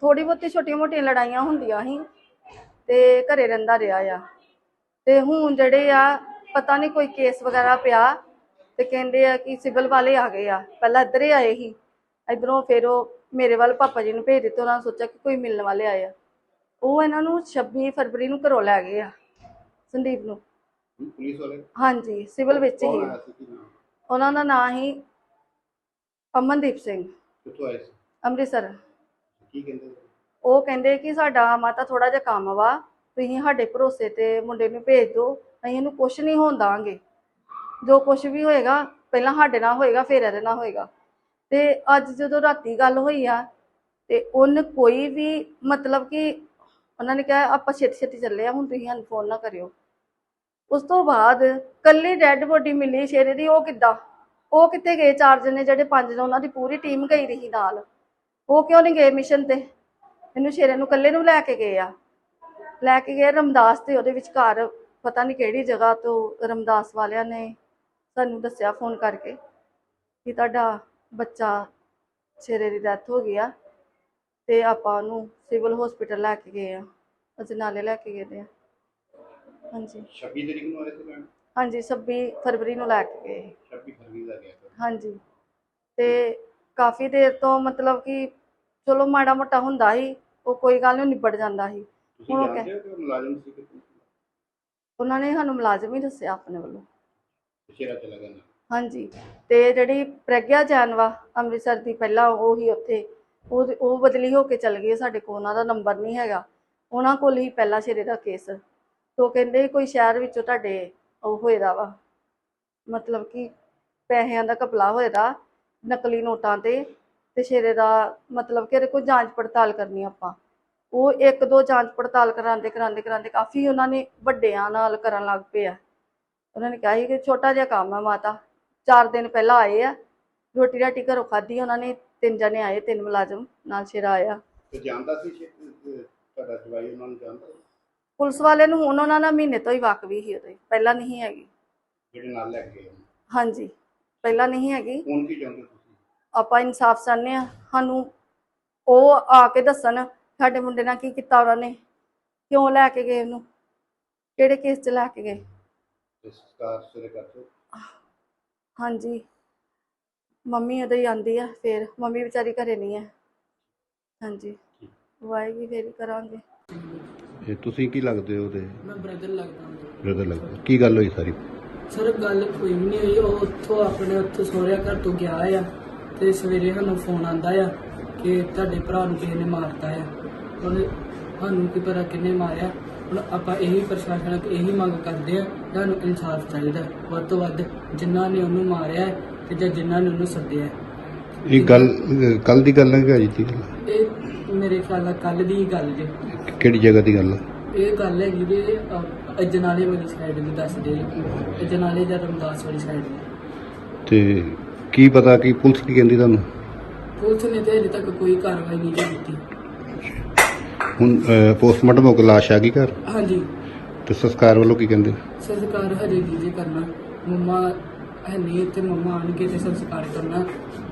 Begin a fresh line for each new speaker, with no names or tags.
थोड़ी बहुती छोटिया मोटिया लड़ाइयां होंदियां ही ते घरे रहिंदा रहा आ। ते हुण जिहड़े आ पता नहीं कोई केस वगैरह पिया ते कहंदे आ कि सिविल वाले आ गए आ। पहला इधर ही आए ही, इधरों फिर मेरे वाल पापा जी नूं भेज दित्ते। उन्होंने सोचा कि कोई मिलने वाले आए आ। वो इन्हां नूं 26 फरवरी नूं घरों लै गए आ संदीप नूं।
पुलिस वाले?
हाँ जी, सिविल विच ही। उन्हां दा नाम ही अमनदीप सिंह।
कित्थों आए सी?
अमृतसर।
की कहंदे?
ਉਹ ਕਹਿੰਦੇ ਕਿ ਸਾਡਾ ਮਾਤਾ ਥੋੜਾ ਜਿਹਾ ਕੰਮ ਵਾ, ਤੁਸੀਂ ਸਾਡੇ ਭਰੋਸੇ ਤੇ ਮੁੰਡੇ ਨੂੰ ਭੇਜ ਦਿਓ, ਅਸੀਂ ਇਹਨੂੰ ਕੁਛ ਨਹੀਂ ਹੋਣ ਦਾਂਗੇ। ਜੋ ਕੁਛ ਵੀ ਹੋਏਗਾ ਪਹਿਲਾਂ ਸਾਡੇ ਨਾਲ ਹੋਏਗਾ, ਫਿਰ ਇਹਦੇ ਨਾਲ ਹੋਏਗਾ। ਤੇ ਅੱਜ ਜਦੋਂ ਰਾਤੀ ਗੱਲ ਹੋਈ ਆ ਤੇ ਉਹਨ ਕੋਈ ਵੀ ਮਤਲਬ ਕਿ ਉਹਨਾਂ ਨੇ ਕਿਹਾ ਆਪਾਂ ਛੇਤੀ ਛੇਤੀ ਚੱਲੇ ਆ, ਹੁਣ ਤੁਸੀਂ ਸਾਨੂੰ ਫੋਨ ਨਾ ਕਰਿਓ। ਉਸ ਤੋਂ ਬਾਅਦ ਕੱਲੀ ਡੈਡ ਬੋਡੀ ਮਿਲੀ ਸ਼ੇਰੇ ਦੀ। ਉਹ ਕਿੱਦਾਂ, ਉਹ ਕਿੱਥੇ ਗਏ? 4 ਜਣੇ ਜਿਹੜੇ 5 ਨੇ ਉਹਨਾਂ ਦੀ ਪੂਰੀ ਟੀਮ ਗਈ ਰਹੀ ਨਾਲ, ਉਹ ਕਿਉਂ ਨਹੀਂ ਗਏ ਮਿਸ਼ਨ ਤੇ? ਇਹਨੂੰ ਸ਼ੇਰੇ ਨੂੰ ਕੱਲੇ ਨੂੰ ਲੈ ਕੇ ਗਏ ਆ, ਲੈ ਕੇ ਗਏ ਰਮਦਾਸ ਤੇ ਉਹਦੇ ਵਿਚਕਾਰ ਪਤਾ ਨਹੀਂ ਕਿਹੜੀ ਜਗ੍ਹਾ ਤੋਂ ਰਮਦਾਸ ਵਾਲਿਆਂ ਨੇ ਸਾਨੂੰ ਦੱਸਿਆ ਫੋਨ ਕਰਕੇ ਕਿ ਤੁਹਾਡਾ ਬੱਚਾ ਸ਼ੇਰੇ ਦੀ ਡੈਥ ਹੋ ਗਈ ਆ ਤੇ ਆਪਾਂ ਉਹਨੂੰ ਸਿਵਲ ਹਸਪੀਟਲ ਲੈ ਕੇ ਗਏ ਆ, ਅਸੀਂ ਨਾਲੇ ਲੈ ਕੇ ਗਏ ਆ। ਹਾਂਜੀ
26 ਤਰੀਕ ਨੂੰ ਆਏ ਸੀ ਮੈਮ?
ਹਾਂਜੀ 26 ਫਰਵਰੀ ਨੂੰ ਲੈ ਕੇ ਗਏ।
26 ਫਰਵਰੀ ਦਾ ਗਿਆ
ਹਾਂਜੀ। ਤੇ ਕਾਫੀ ਦੇਰ ਤੋਂ ਮਤਲਬ ਕਿ ਚਲੋ ਮਾੜਾ ਮੋਟਾ ਹੁੰਦਾ ਸੀ, ਉਹ ਕੋਈ ਗੱਲ ਨਹੀਂ ਨਿਬੜ ਜਾਂਦਾ ਸੀ।
ਤੁਸੀਂ ਜਾਣਦੇ ਹੋ ਕਿ ਮੁਲਾਜ਼ਮ ਸੀ ਕਿੱਥੇ? ਉਹਨਾਂ
ਨੇ ਸਾਨੂੰ ਮੁਲਾਜ਼ਮ ਹੀ ਦੱਸਿਆ ਆਪਣੇ ਵੱਲੋਂ।
ਸ਼ੇਰਾ ਚਲਾ ਗਿਆ ਨਾ?
ਹਾਂਜੀ। ਤੇ ਜਿਹੜੀ ਪ੍ਰਗਿਆ ਜੈਨ ਵਾ ਅੰਮ੍ਰਿਤਸਰ ਦੀ, ਪਹਿਲਾਂ ਉਹ ਹੀ ਉੱਥੇ, ਉਹ ਬਦਲੀ ਹੋ ਕੇ ਚਲ ਗਈ। ਸਾਡੇ ਕੋਲ ਉਹਨਾਂ ਦਾ ਨੰਬਰ ਨਹੀਂ ਹੈਗਾ, ਉਹਨਾਂ ਕੋਲ ਹੀ ਪਹਿਲਾਂ ਸ਼ੇਰੇ ਦਾ ਕੇਸ। ਤੋ ਕਹਿੰਦੇ ਕੋਈ ਸ਼ਹਿਰ ਵਿੱਚੋਂ ਤੁਹਾਡੇ ਉਹ ਹੋਏਦਾ ਵਾ, ਮਤਲਬ ਕਿ ਪੈਸਿਆਂ ਦਾ ਘਪਲਾ ਹੋਏਦਾ ਨਕਲੀ ਨੋਟਾਂ ਤੇ ਸ਼ੇਰੇ ਦਾ ਮਤਲਬ ਕਿ ਇਹਦੇ ਕੋਲ ਜਾਂਚ ਪੜਤਾਲ ਕਰਨੀ ਆਪਾਂ। ਉਹ 1-2 ਜਾਂਚ ਪੜਤਾਲ ਕਰਾਉਂਦੇ ਕਾਫੀ ਉਹਨਾਂ ਨੇ ਵੱਡਿਆਂ ਨਾਲ ਕਰਨ ਲੱਗ ਪਏ ਆ। ਉਹਨਾਂ ਨੇ ਕਿਹਾ ਸੀ ਕਿ ਛੋਟਾ ਜਿਹਾ ਕੰਮ ਹੈ ਮਾਤਾ। 4 ਦਿਨ ਪਹਿਲਾਂ ਆਏ ਆ, ਰੋਟੀ ਰਾਟੀ ਘਰੋਂ ਖਾਧੀ ਉਹਨਾਂ ਨੇ। 3 ਜਣੇ ਆਏ, 3 ਮੁਲਾਜ਼ਮ ਨਾਲ ਸ਼ੇਰਾ ਆਇਆ।
ਤੇ ਜਾਣਦਾ ਸੀ ਤੁਹਾਡਾ ਜਵਾਈ ਉਹਨਾਂ ਨੂੰ ਜਾਣਦਾ?
ਪੁਲਿਸ ਵਾਲੇ ਨੂੰ ਹੁਣ ਉਹਨਾਂ ਨਾਲ ਮਹੀਨੇ ਤੋਂ ਹੀ ਵਾਕਫੀ ਸੀ, ਉਹਦੇ ਪਹਿਲਾਂ ਨਹੀਂ ਹੈਗੀ।
ਜਿਹੜੇ ਨਾਲ ਲੈ ਕੇ ਗਏ?
ਹਾਂਜੀ, ਪਹਿਲਾਂ ਨਹੀਂ ਹੈਗੀ।
ਹੁਣ ਕੀ ਚਾਹੁੰਦੇ ਤੁਸੀਂ?
ਆਪਾਂ ਇਨਸਾਫ ਚਾਹੁੰਦੇ ਆ। ਸਾਨੂੰ ਉਹ ਆ ਕੇ ਦੱਸਣ ਸਾਡੇ ਮੁੰਡੇ ਨਾਲ ਕੀ ਕੀਤਾ ਉਹਨਾਂ ਨੇ, ਕਿਉਂ ਲੈ ਕੇ ਗਏ ਉਹਨੂੰ, ਕਿਹੜੇ ਕੇਸ 'ਚ ਲੈ ਕੇ ਗਏ।
ਸੰਸਕਾਰ ਸਵੇਰੇ ਕਰਦੇ?
ਹਾਂਜੀ, ਮੰਮੀ ਉਹਦੇ ਹੀ ਆਂਦੀ ਆ, ਫਿਰ ਮੰਮੀ ਵਿਚਾਰੀ ਘਰੇ ਨਹੀਂ ਹੈ। ਹਾਂਜੀ, ਵਾਏਗੀ ਫਿਰ ਕਰਾਂਗੇ।
ਇਹ ਤੁਸੀਂ ਕੀ ਲੱਗਦੇ ਹੋ ਉਹਦੇ?
ਮੈਂ ਬ੍ਰਦਰ ਲੱਗਦਾ।
ਬ੍ਰਦਰ ਲੱਗਦਾ। ਕੀ ਗੱਲ ਹੋਈ ਸਾਰੀ?
ਸਰ ਗੱਲ ਕੋਈ ਵੀ ਨਹੀਂ ਹੋਈ। ਉਹ ਉੱਥੋਂ ਸਹੁਰਿਆਂ ਘਰ ਤੋਂ ਗਿਆ ਆ ਤੇ ਸਵੇਰੇ ਸਾਨੂੰ ਫੋਨ ਆਂਦਾ ਆ ਕਿ ਤੁਹਾਡੇ ਭਰਾ ਨੂੰ ਕਿਸੇ ਨੇ ਮਾਰਤਾ ਆ। ਉਹਨੇ ਸਾਨੂੰ ਕੀ ਪਤਾ ਕਿੰਨੇ ਮਾਰਿਆ। ਹੁਣ ਆਪਾਂ ਇਹੀ ਪ੍ਰਸ਼ਾਸਨ ਅੱਗੇ ਇਹੀ ਮੰਗ ਕਰਦੇ ਆ, ਸਾਨੂੰ ਇਨਸਾਫ ਚਾਹੀਦਾ ਵੱਧ ਤੋਂ ਵੱਧ, ਜਿਨ੍ਹਾਂ ਨੇ ਉਹਨੂੰ ਮਾਰਿਆ ਤੇ ਜਾਂ ਜਿਨ੍ਹਾਂ ਨੇ ਉਹਨੂੰ ਸੱਦਿਆ। ਇਹ
ਗੱਲ ਕੱਲ ਦੀ ਗੱਲ ਹੈ ਕਿ ਅੱਜ ਦੀ?
ਇਹ ਮੇਰੇ ਖਿਆਲ ਨਾਲ ਕੱਲ ਦੀ ਗੱਲ ਜੇ।
ਕਿਹੜੀ ਜਗ੍ਹਾ ਦੀ ਗੱਲ?
ਇਹ ਗੱਲ ਹੈਗੀ ਜੇ ਅਜਨਾਲੇ ਵਾਲੀ ਸਾਈਡ ਨੂੰ ਦੱਸਦੇ, ਅਜਨਾਲੇ ਜਾਂ ਰਮਦਾਸ ਵਾਲੀ ਸਾਈਡ ਨੂੰ।
ਤੇ ਕੀ ਪਤਾ ਕਿ ਪੁਲਿਸ ਕੀ ਕਹਿੰਦੀ ਤੁਹਾਨੂੰ?
ਪੁਲਿਸ ਨੇ ਤੇ ਹਜੇ ਤੱਕ ਕੋਈ ਕਾਰਵਾਈ ਨਹੀਂ ਕੀਤੀ।
ਹੁਣ ਪੋਸਟਮਾਰਟਮ ਹੋ ਕੇ ਲਾਸ਼ ਆ ਗਈ ਘਰ?
ਹਾਂਜੀ।
ਤੇ ਸੰਸਕਾਰ ਵੱਲੋਂ ਕੀ ਕਹਿੰਦੇ?
ਸੰਸਕਾਰ ਹਜੇ ਨਹੀਂ ਜੇ ਕਰਨਾ। ਮੰਮਾ ਹੈ ਨਹੀਂ ਇੱਥੇ, ਮੰਮਾ ਆਣਗੇ ਤੇ ਸੰਸਕਾਰ ਕਰਨਾ।